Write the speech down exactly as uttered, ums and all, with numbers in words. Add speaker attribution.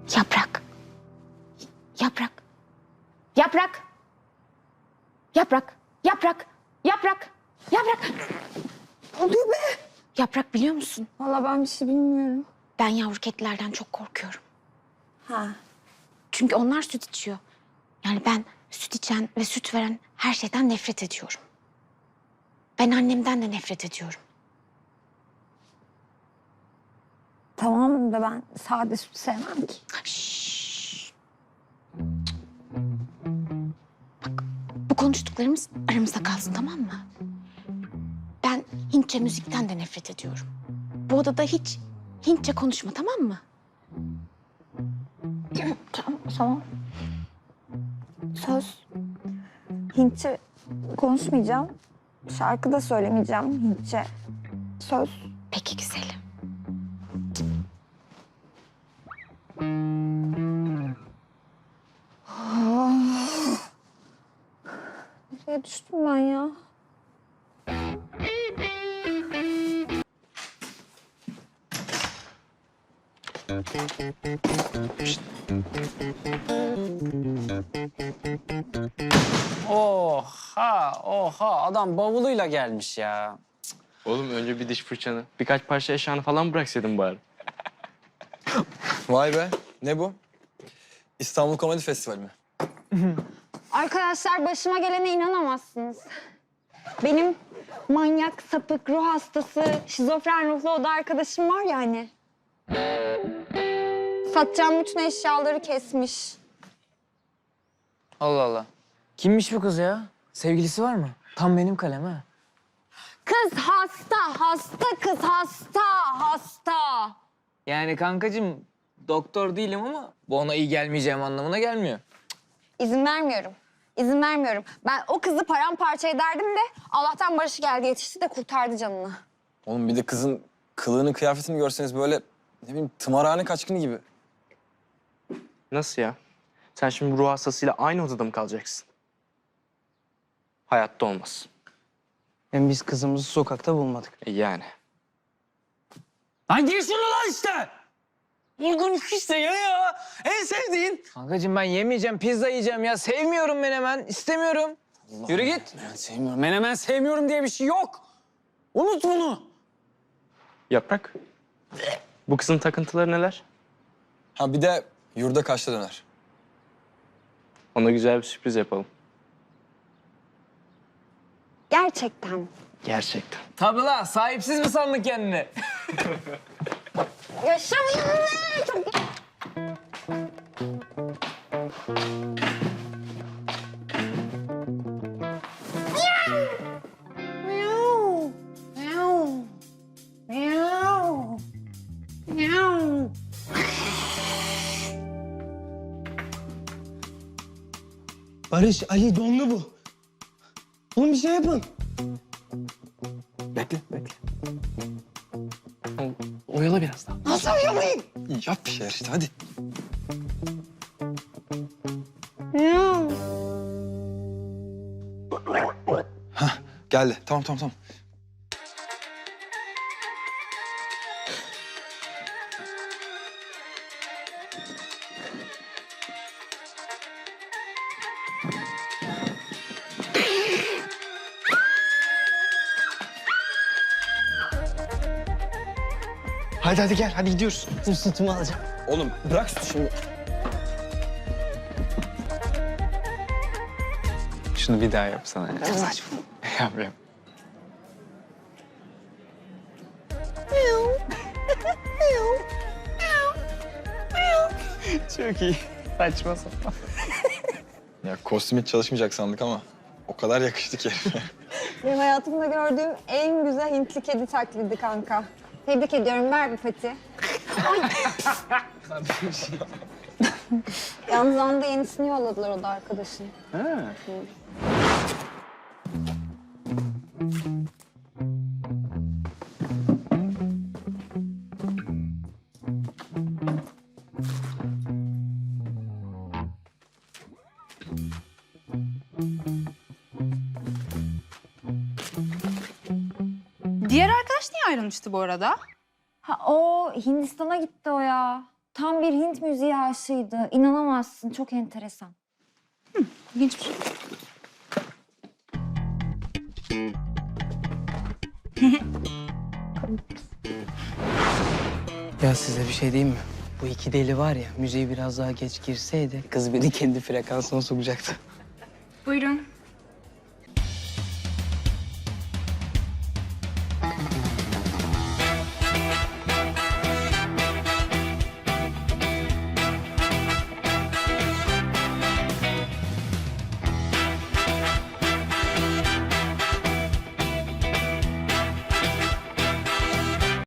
Speaker 1: Yaprak. Yaprak. Yaprak. Yaprak. Yaprak. Yaprak. Yaprak.
Speaker 2: Ne oluyor be?
Speaker 1: Yaprak biliyor musun?
Speaker 2: Vallahi ben bir şey bilmiyorum.
Speaker 1: Ben yavru kedilerden çok korkuyorum.
Speaker 2: Ha.
Speaker 1: Çünkü onlar süt içiyor. Yani ben süt içen ve süt veren her şeyden nefret ediyorum. Ben annemden de nefret ediyorum.
Speaker 2: Tamam da ben sade süt sevmem ki.
Speaker 1: Şşş. Bak, bu konuştuklarımız aramızda kalsın, tamam mı? Ben Hintçe müzikten de nefret ediyorum. Bu odada hiç Hintçe konuşma, tamam mı?
Speaker 2: Tamam, tamam. Söz. Hintçe konuşmayacağım. Şarkı da söylemeyeceğim Hintçe. Söz.
Speaker 1: Peki güzelim.
Speaker 2: Nereye düştüm ben ya?
Speaker 3: Oha, oha. Adam bavuluyla gelmiş ya.
Speaker 4: Oğlum önce bir diş fırçanı, birkaç parça eşyanı falan bıraksaydın bari.
Speaker 5: Vay be, ne bu? İstanbul Komedi Festivali mi?
Speaker 2: Arkadaşlar başıma gelene inanamazsınız. Benim manyak, sapık, ruh hastası, şizofren ruhlu oda arkadaşım var ya hani. Satacağım bütün eşyaları kesmiş.
Speaker 3: Allah Allah. Kimmiş bu kız ya? Sevgilisi var mı? Tam benim kalem ha.
Speaker 2: Kız hasta, hasta kız hasta, hasta.
Speaker 3: Yani kankacığım doktor değilim ama bu ona iyi gelmeyeceğim anlamına gelmiyor.
Speaker 2: İzin vermiyorum. İzin vermiyorum. Ben o kızı paramparça ederdim de Allah'tan Barış geldi yetişti de kurtardı canını.
Speaker 5: Oğlum bir de kızın kılığını, kıyafetini görseniz böyle ne bileyim tımarhane kaçkını gibi.
Speaker 4: Nasıl ya? Sen şimdi ruh hastasıyla aynı odada mı kalacaksın? Hayatta olmaz.
Speaker 3: Hem biz kızımızı sokakta bulmadık.
Speaker 4: E yani.
Speaker 3: Lan gir şunu lan işte! Olgun işte ya ya. En sevdiğin. Kankacığım ben yemeyeceğim, pizza yiyeceğim ya. Sevmiyorum menemen, istemiyorum.
Speaker 5: Allah
Speaker 3: Yürü
Speaker 5: Allah,
Speaker 3: git.
Speaker 5: Ben sevmiyorum.
Speaker 3: Menemen sevmiyorum diye bir şey yok. Unut bunu.
Speaker 4: Yaprak. Bu kızın takıntıları neler?
Speaker 5: Ha bir de yurda kaçta döner.
Speaker 4: Ona güzel bir sürpriz yapalım.
Speaker 2: Gerçekten.
Speaker 4: Gerçekten.
Speaker 3: Tabii lan, sahipsiz mi sandın kendini?
Speaker 2: Yaşamayın be! Çok... Miau! Miau! Miau! Miau!
Speaker 6: Barış, Ali donlu bu. Oğlum bir şey yapın.
Speaker 5: Bekle, bekle.
Speaker 4: Oyala biraz daha.
Speaker 6: Nasıl uyanayım?
Speaker 5: Yap bir şeyler işte hadi.
Speaker 2: Miau!
Speaker 5: Hah geldi. Tamam tamam tamam.
Speaker 6: Hadi hadi gel, hadi gidiyoruz. Dur sütümü alacağım.
Speaker 5: Oğlum bırak sütü şimdi.
Speaker 4: Şunu bir daha yapsana. Ya.
Speaker 6: Saçma.
Speaker 4: Yap yap. Çok iyi. Saçma sapan.
Speaker 5: Ya kostüm hiç çalışmayacak sandık ama o kadar yakıştı ki.
Speaker 2: Benim hayatımda gördüğüm en güzel Hintli kedi taklidi kanka. Tebrik ediyorum. Ver bir pati. Yalnız anda yenisini yolladılar o da arkadaşın.
Speaker 3: Ha.
Speaker 7: Diğer arkadaş niye ayrılmıştı bu arada?
Speaker 2: Ha o Hindistan'a gitti o ya. Tam bir Hint müziği aşığıydı. İnanamazsın. Çok enteresan.
Speaker 1: İlginçmiş.
Speaker 3: Ya size bir şey diyeyim mi? Bu iki deli var ya, müziğe biraz daha geç girseydi kız beni kendi frekansına sokacaktı.
Speaker 2: Buyurun.